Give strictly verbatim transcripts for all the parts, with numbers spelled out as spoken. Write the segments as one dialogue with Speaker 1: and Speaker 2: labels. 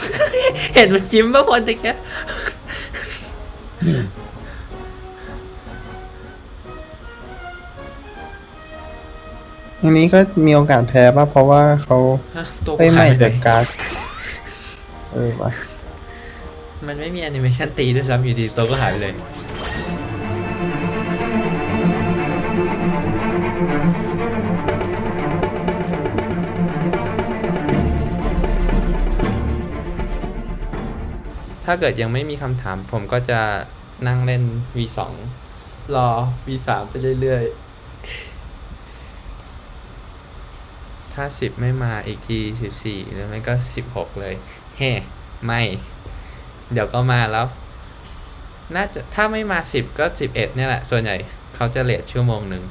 Speaker 1: เห็นมันยิ้มป่ะพลตะเกีย
Speaker 2: อันนี้ก็มีโอกาสแพ้ป่ะเพราะว่าเขา
Speaker 1: ตัว
Speaker 2: ไม่
Speaker 1: หา
Speaker 2: ใหม่
Speaker 1: ยไป
Speaker 2: เดอะการ์ดเออวะ
Speaker 1: มันไม่มีแอนิเมชันตีด้วยซ้ำอยู่ดีตัวก็หายไปเลยถ้าเกิดยังไม่มีคำถามผมก็จะนั่งเล่น วี สอง รอ วี สาม ไปเรื่อยๆ ถ้าสิบไม่มาอีกทีสิบสี่หรือไม่ก็สิบหกเลย เฮ้ ไม่ เดี๋ยวก็มาแล้ว น่าจะถ้าไม่มาสิบก็สิบเอ็ดเนี่ยแหละ ส่วนใหญ่เขาจะเลทชั่วโมงหนึ่ง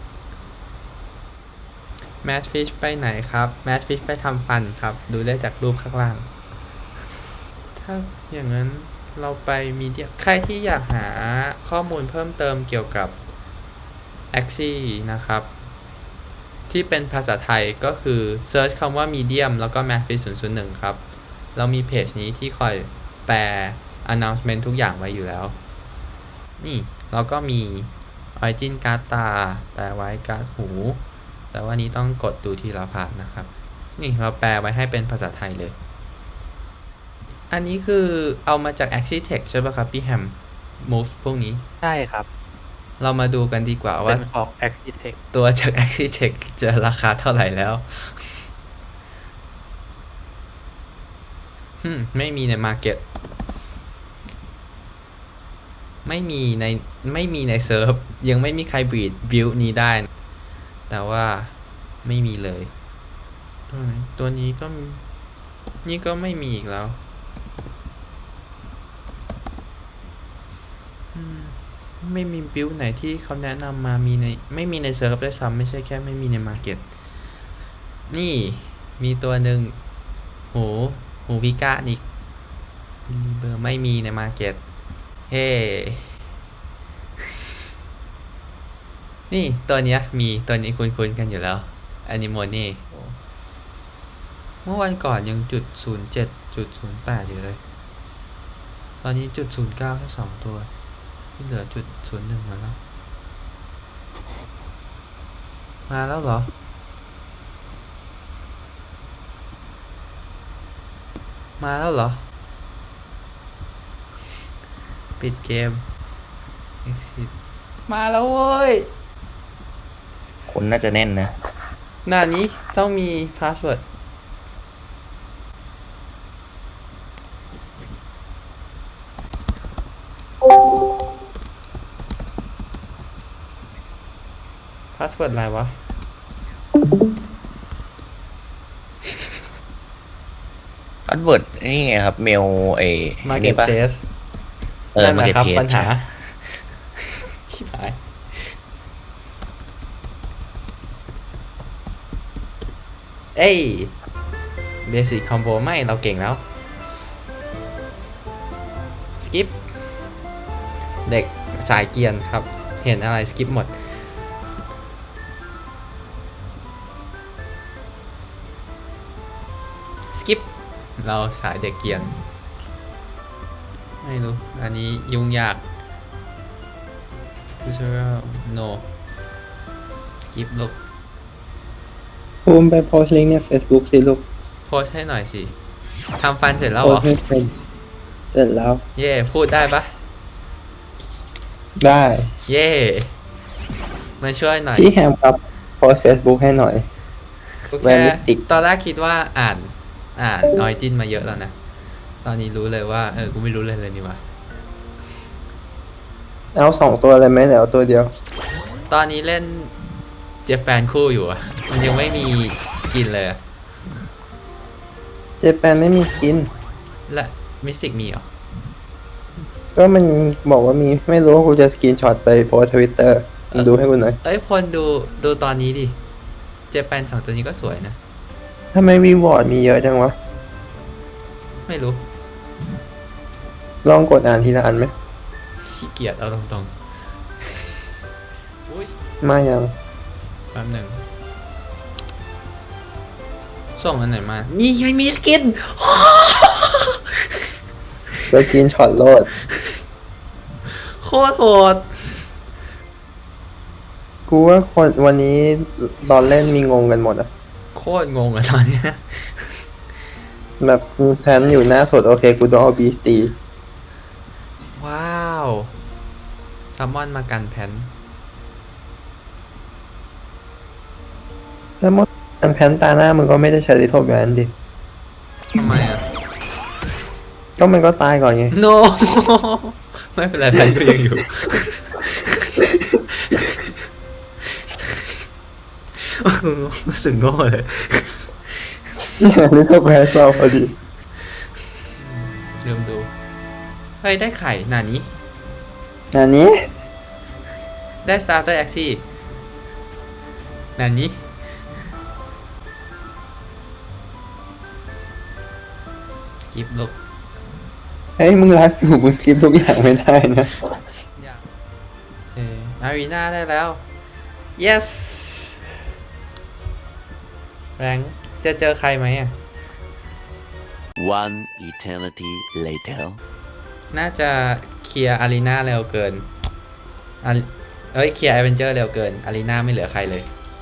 Speaker 1: แมทฟิชไปไหนครับแมทฟิชไปทำฟันครับ ดูได้จากรูปข้างล่าง ถ้าอย่างนั้นเราไปมีเดียใครที่อยากหาข้อมูลเพิ่มเติมเกี่ยวกับ Axie นะครับ ที่เป็นภาษาไทยก็คือ Search คำว่า Medium แล้วก็ Mathfish ศูนย์ ศูนย์ หนึ่ง ครับ เรามีเพจนี้ที่คอยแปล announcement ทุกอย่างไว้อยู่แล้ว นี่เราก็มี Origin การ์ดตาแปลไว้การ์ดหู แต่ว่านี้ต้องกดดูทีละพาร์ทนะครับ นี่เราแปลไว้ให้เป็นภาษาไทยเลย อันนี้คือเอามาจาก Axie Tech ใช่ป่ะครับพี่แฮม Move พวกนี้
Speaker 3: ใช่ครับ
Speaker 1: เรามาดูกันดีกว่า
Speaker 3: เป็
Speaker 1: ว่า
Speaker 3: นของ Architect
Speaker 1: ตัวจาก Axie Tech จะราคาเท่าไหร่แล้วฮึมไม่มีใน Market ไม่มีในไม่มีในเซิร์ฟยังไม่มีใครบีดบิลนี้ได้ แต่ว่าไม่มีเลย ตัวไหนตัวนี้ก็นี่ก็ไม่มีอีกแล้วอืมไม่มีบิลไหนที่เขาแนะนำมามีในไม่มีในเซิร์ฟด้วยซ้ำไม่ใช่แค่ไม่มีในมาร์เก็ตนี่มีตัวหนึ่งหูหูพิก้าอีกเบอร์ไม่มีในมาร์เก็ตเฮ้ นี่ตัวเนี้ยมีตัวนี้คุ้นๆกันอยู่แล้วแอนิโมนี่เมื่อวันก่อนยังจุดศูนย์เจ็ดจุดศูนย์แปดอยู่เลย ตอนนี้จุดศูนย์เก้าแค่สองตัวที่เหลือจุดศูนย์หนึ่งมาแล้ว มาแล้วเหรอ มาแล้วเหรอ ปิดเกม exit มาแล้วเว้ย
Speaker 4: คนน่าจะแน่นนะ
Speaker 1: หน้านี้ต้องมีพาสเวิร์ดพาสเวิร์ดอะไรวะ
Speaker 4: อัดเวิร์ดนี่ไงครับ เมลเอ
Speaker 1: มาเก็
Speaker 4: นี่
Speaker 1: ต
Speaker 4: ปะ
Speaker 1: เ a ส
Speaker 4: เออ
Speaker 1: นั่น
Speaker 4: มา
Speaker 1: แห
Speaker 4: เก็
Speaker 1: ละ
Speaker 4: ต
Speaker 1: ครับ
Speaker 4: เพจ
Speaker 1: ปัญหา ชิบหาย เอ้ยเบสิ c คอมโบไม่เราเก่งแล้ว สกิป เด็กสายเกียร์ครับ เห็นอะไรสกิปหมด สกิป เราสายเด็กเกียร์ไม่รู้ อันนี้ยุ่งยาก tutorial no สกิปลูก
Speaker 2: ภูมิไปโพสต์ลิงก์ใน Facebook สิลูก
Speaker 1: โพสต์ให้หน่อยสิ ทำฟันเสร็จแล้ว
Speaker 2: โพ
Speaker 1: เหร
Speaker 2: ส
Speaker 1: อ
Speaker 2: ต์ให้เป็นเสร็จแล้ว
Speaker 1: เย่ พูดได้ปะ
Speaker 2: ได้
Speaker 1: เย่ มาช่วยหน่อย
Speaker 2: พี่แฮมครับโพสต์ Facebook ให้หน่อย
Speaker 1: โอเค
Speaker 2: แวร์มิสติก
Speaker 1: ตอนแรกคิดว่าอ่าน อ่านออยจินมาเยอะแล้วนะ ตอนนี้รู้เลยว่า เออ กูไม่รู้เลยเลยนี่วะ
Speaker 2: เอาสองตัวเลยไหมเดี๋ยวเอาตัวเดียว
Speaker 1: ตอนนี้เล่นเจแปนคู่อยู่อะมันยังไม่มีสกินเลยอะ
Speaker 2: เจแปนไม่มีสกิน
Speaker 1: และมิสติกมีเหรอ
Speaker 2: ก็มันบอกว่ามีไม่รู้ว่ากูจะสกรีนช็อตไปโพสทวิตเตอร์ดูให้กูหน่อย
Speaker 1: เอ้ยพลดูดูตอนนี้ดิ เจแปนสองตัวนี้ก็สวยนะ
Speaker 2: ทำไมวีวอร์ดมีเยอะจังวะ
Speaker 1: ไม่รู้
Speaker 2: ลองกดอ่านทีละอันไหม
Speaker 1: ขี้เกียจเอาตรงๆ อุ้ย
Speaker 2: มายัง
Speaker 1: แป๊บหนึ่ง ส่งอันไหนมา นี่ยังมีสกิน
Speaker 2: สกินช็อตโลด
Speaker 1: โคตรโหด
Speaker 2: กูว่าคนวันนี้ตอนเล่นมีงงกันหมดอะ
Speaker 1: โคตรงงอะตอนเนี้ย
Speaker 2: แบบแพนอยู่หน้าสดโอเคกูต้องเอาบีสตี
Speaker 1: ว้าวซัมมอนมากันแพน
Speaker 2: แต่หมดอันแพนตาหน้ามึงก็ไม่ได้ใช้ลิโทแบนดิ
Speaker 1: ทำไมอ่ะ
Speaker 2: ก็มันก็ตายก่อนไง
Speaker 1: no ไม่เป็นไรแพนก็ยังอยู่ รู้สึกโง่เลย
Speaker 2: ลิโทแบนเราพอดี
Speaker 1: ลืมดูเฮ้ยได้ไข่หนานี้
Speaker 2: อันนี้
Speaker 1: ได้ starter a x i หนานี้สกิปลูก
Speaker 2: เฮ้ยมึงไลฟ์อยู่มึงสกิปทุกอย่างไม่ได้นะ
Speaker 1: เอออารีนาได้แล้ว yes แรงจะเจอใครไหมอ่ะ
Speaker 3: One eternity later.
Speaker 1: น่าจะเคลียร์อารีนาเร็วเกินอารีเอ้ยเคลียร์แอดเวนเจอร์เร็วเกินอารีนาไม่เหลือใครเลย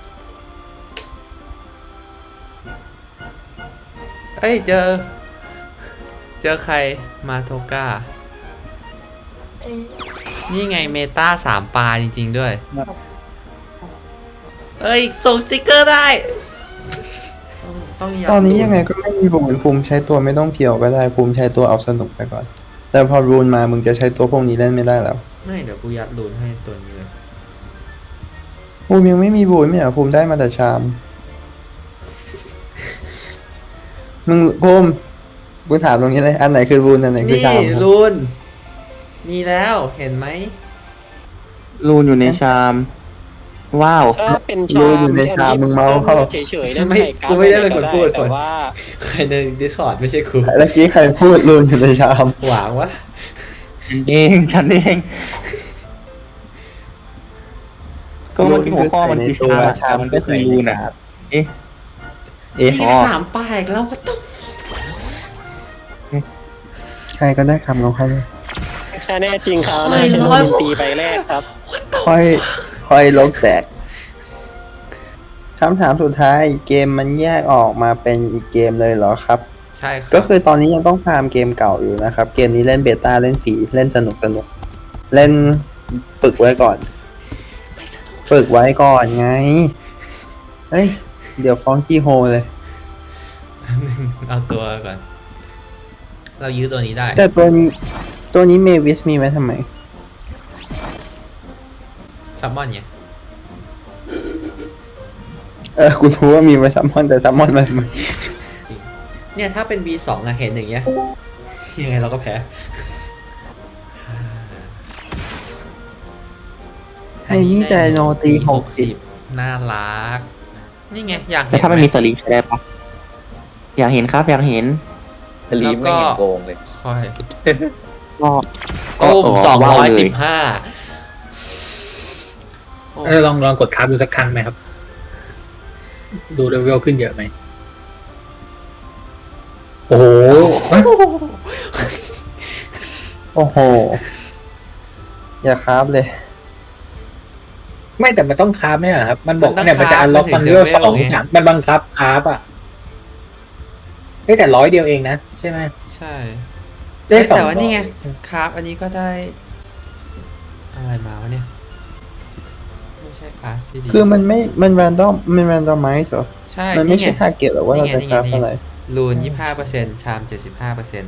Speaker 1: เอ้ยเจอ เจอใครมาโทก้า นี่ไงเมตาสามปลาจริงๆด้วย เอ้ย ส่งสติกเกอร์ได้ ต้องต้องย้ำ
Speaker 2: ตอนนี้ยังไงก็ไม่มีบุญภูมิใช้ตัวไม่ต้องเพียวก็ได้ภูมิใช้ตัวเอาสนุกไปก่อน แต่พอรูนมามึงจะใช้ตัวพวกนี้เล่นไม่ได้แล้ว
Speaker 1: ไม่เดี๋ยวกูยัดรูนให้ตัวนี้เลย
Speaker 2: ภูมิยังไม่มีบุญไม่เหรอภูมิได้มาแต่ชาม มึงภูมิกูถามตรงนี้เลยอันไหนคือรูนอันไหนคือ
Speaker 1: นี่
Speaker 2: ชาม
Speaker 1: รูนมีแล้วเห็นไหม
Speaker 5: รูนอยู่ในชาม ว้าว
Speaker 6: ถ้าเป็นชาม
Speaker 2: รูนอยู่ในชามมึงเมาเข้า
Speaker 6: เฉยๆนั่น
Speaker 1: ไม่
Speaker 6: ใส่การ์ด
Speaker 1: กูไม่ได้เป็นคนพูด
Speaker 6: แต่
Speaker 1: คน
Speaker 6: ว่า
Speaker 1: ใครใน Discord ไม่ใช่กู
Speaker 2: เมื่อกี้ใครพูดรูนอยู่ในชาม
Speaker 1: หวังวะ
Speaker 5: เองฉันเอง ก็เมื่อกี้หัวข้อมันคือชามอะชามมันก็คือรูนอ่ะ เอ๊ะ
Speaker 2: เอ๊ะ
Speaker 1: มีสามปลายอีกแล้ว what the fuck
Speaker 2: ใครก็ได้คำของเขาเลย
Speaker 6: ถ้าแน่จริงเขา
Speaker 1: ไม่
Speaker 6: น่าจะโด
Speaker 1: ร้อย
Speaker 6: นตีไปแรกครับ
Speaker 2: ค่อยค่อยลกแตกคำถามสุดท้ายเกมมันแยกออกมาเป็นอีกเกมเลยเหรอครับ
Speaker 1: ใช่ครับ
Speaker 2: ก็คือตอนนี้ยังต้องฟาร์มเกมเก่าอยู่นะครับ เกมนี้เล่นเบต้าเล่นฟรีเล่นสนุกสนุกเล่นฝึกไว้ก่อน
Speaker 1: ไม่สนุก
Speaker 2: ฝึกไว้ก่อนไง เฮ้ย เดี๋ยวฟ้องจีโฮเลย
Speaker 1: เอาตัวก่อน เรายื้อตัวนี้ได้
Speaker 2: แต่ตัวนี้ตัวนี้เมวิสมีไว้ทำไม
Speaker 1: ซัมมอนไง
Speaker 2: เออ กูรู้ว่ามีไว้ซัมมอนแต่ซัมมอนมันมัน
Speaker 1: เนี่ยถ้าเป็น บี สองอะเห็นอย่างเงี้ย ยังไงเราก็แพ้
Speaker 2: ไอ้นี่แต่โนตีหกสิบ
Speaker 1: น่ารัก นี่ไง อยาก
Speaker 5: แล้
Speaker 1: เห็
Speaker 5: วน ถ้ามัน
Speaker 1: ไห
Speaker 5: มีสลิงใช้ได้ปะอยากเห็นครับ อยากเห็น
Speaker 4: สลีมไม่เห็นโกงเลย
Speaker 1: ค่อย
Speaker 5: ก็
Speaker 1: ตุ้มสอง
Speaker 5: ว้าว
Speaker 1: ร้อย
Speaker 5: เล
Speaker 1: สิบห้า
Speaker 7: เออลองลองกดทับดูสักครั้งไหมครับ ดูเลเวลขึ้นเยอะไหม โอ้โห
Speaker 2: โอ้โห อย่าคราฟเลย
Speaker 7: ไม่แต่มันต้องคราฟเนี่ยครับ มันบอกเนี่ยมันจะอันล็อกมันเลเวลสองสามมันบังคับคราฟอ่ะเฮ้ยแต่ร้อยเดียวเองนะ ใช่ไหม
Speaker 1: ใช่
Speaker 7: ได้สอง
Speaker 1: แต่ว่านี่ไง
Speaker 7: ร้อย
Speaker 1: ครับ อันนี้ก็ได้ อะไรมาวะเนี่ย ไม่ใช่คลาสที่ดี
Speaker 2: คือมันไม่ มันแรนดอม มันแรนดอมไมซ์เหรอ
Speaker 1: ใช่
Speaker 2: มันไม่
Speaker 1: นี่
Speaker 2: ใช่
Speaker 1: ไง
Speaker 2: ทาร์เก็ตหรอว่าเราจะ
Speaker 1: นี่
Speaker 2: ค
Speaker 1: ไง
Speaker 2: ราฟ
Speaker 1: นี่ไง
Speaker 2: อะไร
Speaker 1: รูนยี่ห้าเปอร์เซ็นต์ชามเจ็ดสิบห้าเปอร์เซ็นต์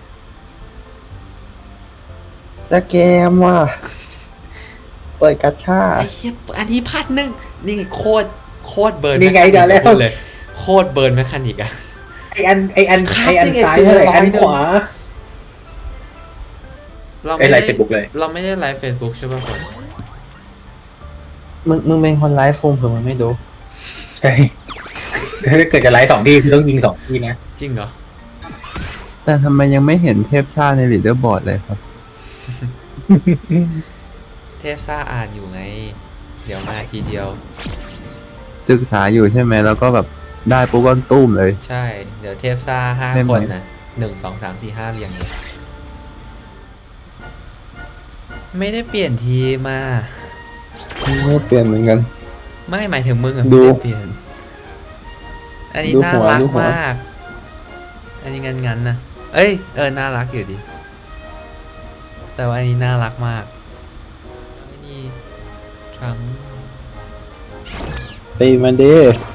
Speaker 2: จะเกมว่ะ เปิดกัชชา
Speaker 1: ไอ้เหี้ยอันนี้พันหนึ่งนี่ไงโคตรโคตรเบิร์น
Speaker 7: นี่ไง
Speaker 1: แมคา
Speaker 7: เดี๋ยวแล้ว
Speaker 1: พูดเลย โคตรเบิร์นแมคานิกอะ
Speaker 7: ไออันไออัน
Speaker 1: ครับ
Speaker 7: ไออัน
Speaker 1: จริงๆ
Speaker 7: ซ้าย
Speaker 1: คือ
Speaker 7: เท่าไหร่
Speaker 1: ร้อย
Speaker 7: อัน
Speaker 1: หนึ่ง
Speaker 7: ขวา
Speaker 1: เรา
Speaker 7: ไอ้
Speaker 1: ไม่
Speaker 7: ไล
Speaker 1: ได้
Speaker 7: ฟ์เฟซบุ๊กเลย
Speaker 1: เราไม่ได้ไลฟ์เฟซบุ๊กใช่ป่ะคน
Speaker 2: มึง มึงเป็นคนไลฟ์โฟมเผื่อมันไม่ดู
Speaker 7: ใช่ถ้าเกิดจะไลฟ์สองที่คือต้องยิงสองที่นะ
Speaker 1: จริงเหรอ
Speaker 2: แต่ทำไมยังไม่เห็นเทพชาติในลีดเดอร์บอร์ดเลยครับ
Speaker 1: เทพซ่าอ่านอยู่ไง เดี๋ยวมาทีเดียว
Speaker 2: ศึกษาอยู่ใช่ไหมแล้วก็แบบได้ปุ๊บก็ตุ้มเลย
Speaker 1: ใช่ เดี๋ยวเทพซ่าห้า
Speaker 2: ได้ไหม
Speaker 1: คนนะหนึ่งสองสามสี่ห้าเรียงเลยไม่ได้เปลี่ยนทีมมา
Speaker 2: ไม่เปลี่ยนเหมือนกัน
Speaker 1: ไม่หมายถึงมึงอะ
Speaker 2: ดู
Speaker 1: ไม่ได้เปลี่ยน อันนี้
Speaker 2: ดู
Speaker 1: น่า
Speaker 2: หัว
Speaker 1: รัก
Speaker 2: ดูหัว
Speaker 1: มาก อันนี้งั้นๆนะเอ้ยเออน่ารักอยู่ดี แต่ว่าอันนี้น่ารักมากอันนี้ครั้ง
Speaker 2: ตีมันดิ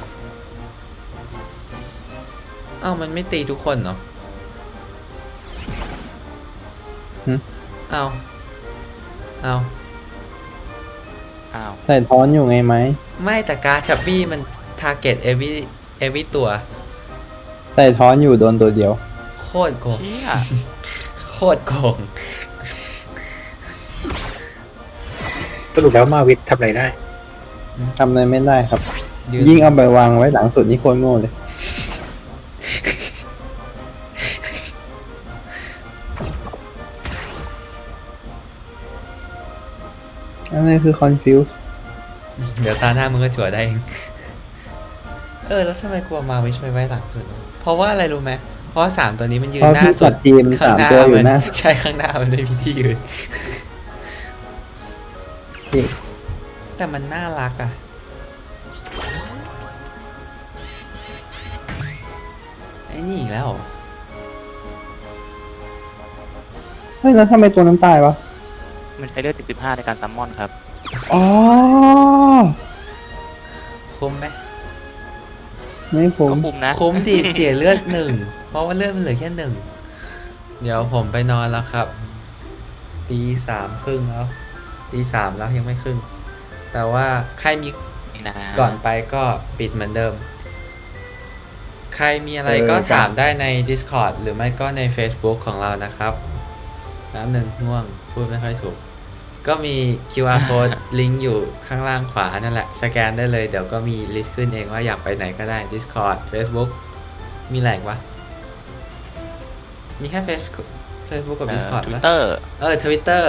Speaker 1: อ้าวมันไม่ตีทุกคนเหรอ
Speaker 2: หึ
Speaker 1: เอาเอา
Speaker 4: อ้าว
Speaker 2: ใส่ท้อนอยู่ไงไหม
Speaker 1: ไม่แต่การชับบี้มันทาร์เก็ตเอวีเอวีตัว
Speaker 2: ใส่ท้อนอยู่โดนตัวเดียว
Speaker 1: โคตรโกง
Speaker 4: เชี่ย
Speaker 1: โคตรโกง
Speaker 7: สรุปแล้วมาวิทย์ทำอะไรได้
Speaker 2: ทำอะไรไม่ได้ครับ
Speaker 1: ยืน
Speaker 2: ยิ่งเอาไปวางไว้หลังสุดนี่โคตรโง่เลย อะไรคือ confuse
Speaker 1: เดี๋ยวตาหน้ามึงก็จั่วได้เอง เออ แล้วทำไมกลัวมาวิชไม่ไว้หลังสุดวะเพราะว่าอะไรรู้ไหม เพราะว่าสามตัวนี้มันยืน
Speaker 2: เพราะ
Speaker 1: หน้า
Speaker 2: พี่
Speaker 1: สุ
Speaker 2: จั
Speaker 1: ด
Speaker 2: ดทีม
Speaker 1: ข้าง
Speaker 2: สาม
Speaker 1: หน้า
Speaker 2: ตัวอยู่
Speaker 1: มัน
Speaker 2: หน้า
Speaker 1: ใช่ข้างหน้ามันไม่มีที่ยืน
Speaker 2: พี่
Speaker 1: แต่มันน่ารักอ่ะ ไอ้นี่อีกแล้วเหรอ
Speaker 2: เฮ้ยแล้วทำไมตัวนั้นตายวะ
Speaker 5: มันใช้เลือดสิบห้าในการซัมมอนครับ
Speaker 2: อ๋อ
Speaker 1: คุ้มไหม
Speaker 2: ไม่ผม
Speaker 5: ก็คุมนะ
Speaker 1: คุ้มดีเสียเลือดหนึ่ง เพราะว่าเลือดมันเหลือแค่หนึ่ง เดี๋ยวผมไปนอนแล้วครับ ตีสามครึ่งแล้ว ตีสามแล้วยังไม่ครึ่ง แต่ว่าใครมี
Speaker 5: นี่นะ
Speaker 1: ก่อนไปก็ปิดเหมือนเดิม ใครมีอะไร
Speaker 2: เออ
Speaker 1: ก็
Speaker 2: ครับ
Speaker 1: ถามได้ใน Discord หรือไม่ก็ใน Facebook ของเรานะครับ น้ำหนึ่งง่วง พูดไม่ค่อยถูก ก็มี คิว อาร์ code ลิงก์อยู่ข้างล่างขวานั่นแหละ สแกนได้เลย เดี๋ยวก็มีลิสต์ขึ้นเองว่าอยากไปไหนก็ได้ Discord Facebook มีแหล่งวะ มีแค่ Facebook Facebook กับ
Speaker 5: เอ่อ
Speaker 1: Discord
Speaker 5: ทวิ
Speaker 1: ปะ
Speaker 5: ตเตอร์
Speaker 1: เออ Twitter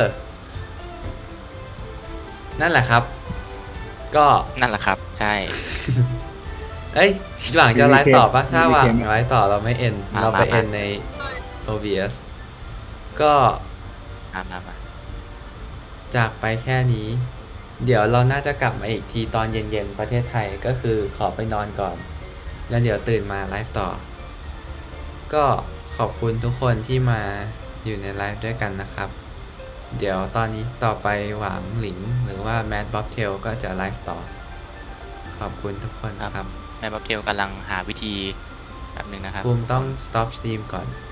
Speaker 1: นั่นแหละครับ ก็
Speaker 5: นั่นแหละครับ ใช่
Speaker 1: เอ้ย หวังจะไลฟ์ต่อปะถ้าหวังไลฟ์ต่อเราไม่เอ็น
Speaker 5: มา
Speaker 1: เราไป
Speaker 5: มา
Speaker 1: เอ็นใน โอ บี เอส ก็
Speaker 5: มามามา
Speaker 1: จากไปแค่นี้ เดี๋ยวเราน่าจะกลับมาอีกทีตอนเย็นๆ ประเทศไทยก็คือขอไปนอนก่อน แล้วเดี๋ยวตื่นมาไลฟ์ต่อ ก็ขอบคุณทุกคนที่มาอยู่ในไลฟ์ด้วยกันนะครับ เดี๋ยวตอนนี้ต่อไปหวังหลิงหรือว่าแมดบ๊อบเทลก็จะไลฟ์ต่อ ขอบคุณทุกคนนะครับ
Speaker 5: แม่บ๊อบเทลกำลังหาวิธีแบบหนึ่งนะครับ
Speaker 1: ภูมิต้อง stop stream ก่อน